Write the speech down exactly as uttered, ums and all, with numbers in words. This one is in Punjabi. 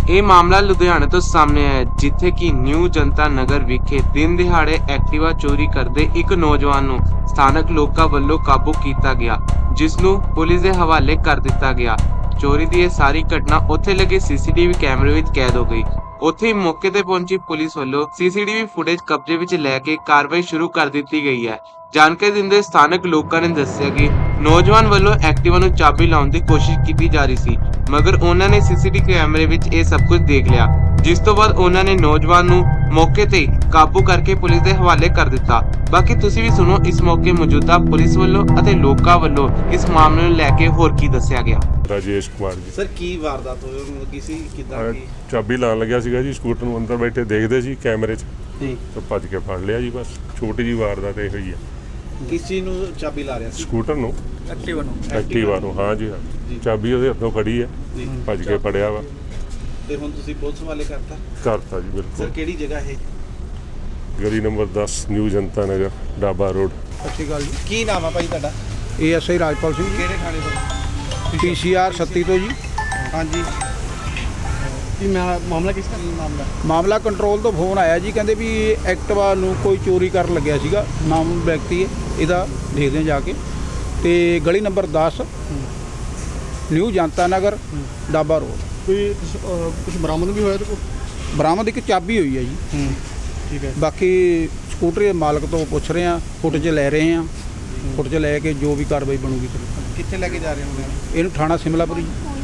ਇਹ ਮਾਮਲਾ ਲੁਧਿਆਣਾ ਤੋਂ ਸਾਹਮਣੇ ਆਇਆ ਹੈ, ਜਿੱਥੇ ਕਿ ਨਿਊ ਜਨਤਾ ਨਗਰ ਵਿਖੇ ਦਿਨ ਦਿਹਾੜੇ ਐਕਟਿਵਾ ਚੋਰੀ ਕਰਦੇ ਇੱਕ ਨੌਜਵਾਨ ਨੂੰ ਸਥਾਨਕ ਲੋਕਾਂ ਵੱਲੋਂ ਕਾਬੂ ਕੀਤਾ ਗਿਆ, ਜਿਸ ਨੂੰ ਪੁਲਿਸ ਦੇ ਹਵਾਲੇ ਕਰ ਦਿੱਤਾ ਗਿਆ। ਚੋਰੀ ਦੀ ਇਹ ਸਾਰੀ ਘਟਨਾ ਉੱਥੇ ਲੱਗੇ ਸੀਸੀਟੀਵੀ ਕੈਮਰੇ ਵਿੱਚ ਕੈਦ ਹੋ ਗਈ। ਉੱਥੇ ਹੀ ਮੌਕੇ ਤੇ ਪਹੁੰਚੀ ਪੁਲਿਸ ਵੱਲੋਂ ਸੀਸੀਟੀਵੀ ਫੁਟੇਜ ਕਬਜ਼ੇ ਵਿੱਚ ਲੈ ਕੇ ਕਾਰਵਾਈ ਸ਼ੁਰੂ ਕਰ ਦਿੱਤੀ ਗਈ ਹੈ। ਜਾਣਕਾਰੀ ਦਿੰਦੇ ਸਥਾਨਕ ਲੋਕਾਂ ਨੇ ਦੱਸਿਆ ਕਿ ਨੌਜਵਾਨ ਵੱਲੋਂ ਐਕਟਿਵਾ ਨੂੰ ਚਾਬੀ ਲਾਉਣ ਦੀ ਕੋਸ਼ਿਸ਼ ਕੀਤੀ ਜਾ ਰਹੀ ਸੀ, ਮਗਰ ਉਹਨਾਂ ਨੇ ਸੀਸੀਟੀਵੀ ਕੈਮਰੇ ਵਿੱਚ ਇਹ ਸਭ ਕੁਝ ਦੇਖ ਲਿਆ, ਜਿਸ ਤੋਂ ਬਾਅਦ ਉਹਨਾਂ ਨੇ ਨੌਜਵਾਨ ਨੂੰ ਮੌਕੇ ਤੇ ਕਾਬੂ ਕਰਕੇ ਪੁਲਿਸ ਦੇ ਹਵਾਲੇ ਕਰ ਦਿੱਤਾ। ਬਾਕੀ ਤੁਸੀਂ ਵੀ ਸੁਣੋ ਇਸ ਮੌਕੇ ਮੌਜੂਦਾ ਪੁਲਿਸ ਵੱਲੋਂ ਅਤੇ ਲੋਕਾਂ ਵੱਲੋਂ ਇਸ ਮਾਮਲੇ ਨੂੰ ਲੈ ਕੇ ਹੋਰ ਕੀ ਦੱਸਿਆ ਗਿਆ। ਰਾਜੇਸ਼ ਕੁਮਾਰ ਜੀ ਸਰ ਕੀ ਵਾਰਦਾਤ ਹੋਈ ਉਹਨੂੰ ਲੱਗੀ ਸੀ ਕਿਦਾਂ ਕੀ ਚਾਬੀ ਲਾਉਣ ਲੱਗਿਆ ਸੀਗਾ ਜੀ, ਸਕੂਟਰ ਨੂੰ ਅੰਦਰ ਬੈਠੇ ਦੇਖਦੇ ਸੀ ਕੈਮਰੇ 'ਚ ਜੀ ਤਾਂ ਭੱਜ ਕੇ ਫੜ ਲਿਆ ਜੀ। ਬਸ ਛੋਟੀ ਜੀ ਵਾਰਦਾਤ ਇਹ ਹੋਈ ਹੈ। ਕਿਸ ਚੀਜ਼ ਨੂੰ ਚਾਬੀ ਲਾ ਰਿਹਾ ਸੀ? ਸਕੂਟਰ ਨੂੰ, ਐਕਟਿਵਾ ਨੂੰ ਐਕਟਿਵਾ ਨੂੰ। ਹਾਂ ਜੀ ਹਾਂ, ਚਾਬੀ ਉਹਦੇ ਹੱਥੋਂ ਫੜੀ ਹੈ, ਜੀ ਭੱਜ ਕੇ ਫੜਿਆ ਵਾ, ਤੇ ਹੁਣ ਤੁਸੀਂ ਪੁਲਿਸ ਵਾਲੇ ਕਰਤਾ? ਕਰਤਾ ਜੀ ਸਰ ਬਿਲਕੁਲ। ਕਿਹੜੀ ਜਗ੍ਹਾ ਇਹ? ਗਲੀ ਨੰਬਰ ਦਸ ਨਿਊ ਜਨਤਾ ਨਗਰ ਡਾਬਾ ਰੋਡ। ਸਤਿ ਸ਼੍ਰੀ ਅਕਾਲ ਜੀ। ਕੀ ਨਾਮ ਆ ਭਾਈ ਤੁਹਾਡਾ? ਏ ਐਸ ਆਈ ਰਾਜਪਾਲ ਸਿੰਘ ਜੀ, ਕਿਹੜੇ ਥਾਣੇ ਤੋਂ? ਪੀ ਸੀ ਆਰ ਛੱਤੀ ਤੋਂ ਜੀ। ਹਾਂਜੀ ਕੀ ਮਾਮਲਾ ਕਿਸ ਦਾ ਮਾਮਲਾ? ਮਾਮਲਾ ਕੰਟਰੋਲ ਤੋਂ ਫੋਨ ਆਇਆ ਜੀ, ਕਹਿੰਦੇ ਵੀ ਐਕਟਿਵਾ ਨੂੰ ਕੋਈ ਚੋਰੀ ਕਰਨ ਲੱਗਿਆ ਸੀਗਾ, ਨਾਮ ਵਿਅਕਤੀ ਹੈ ਇਹਦਾ, ਦੇਖਦੇ ਹਾਂ ਜਾ ਕੇ। ਤੇ ਗਲੀ ਨੰਬਰ ਦਸ ਨਿਊ ਜਨਤਾ ਨਗਰ ਡਾਬਾ ਰੋਡ। ਕੋਈ ਕੁਝ ਬਰਾਮਦ ਵੀ ਹੋਇਆ ਤੇ ਕੋ? ਬਰਾਮਦ ਇੱਕ ਚਾਬੀ ਹੋਈ ਹੈ ਜੀ। ਠੀਕ ਹੈ। ਬਾਕੀ ਸਕੂਟਰ ਦੇ ਮਾਲਕ ਤੋਂ ਪੁੱਛ ਰਹੇ ਹਾਂ, ਫੁਟੇਜ ਲੈ ਰਹੇ ਹਾਂ, ਫੁਟੇਜ ਲੈ ਕੇ ਜੋ ਵੀ ਕਾਰਵਾਈ ਬਣੂਗੀ। ਕਿੱਥੇ ਲੈ ਕੇ ਜਾ ਰਹੇ ਹੋ? ਇਹਨੂੰ ਥਾਣਾ ਸਿਮਲਾਪੁਰੀ।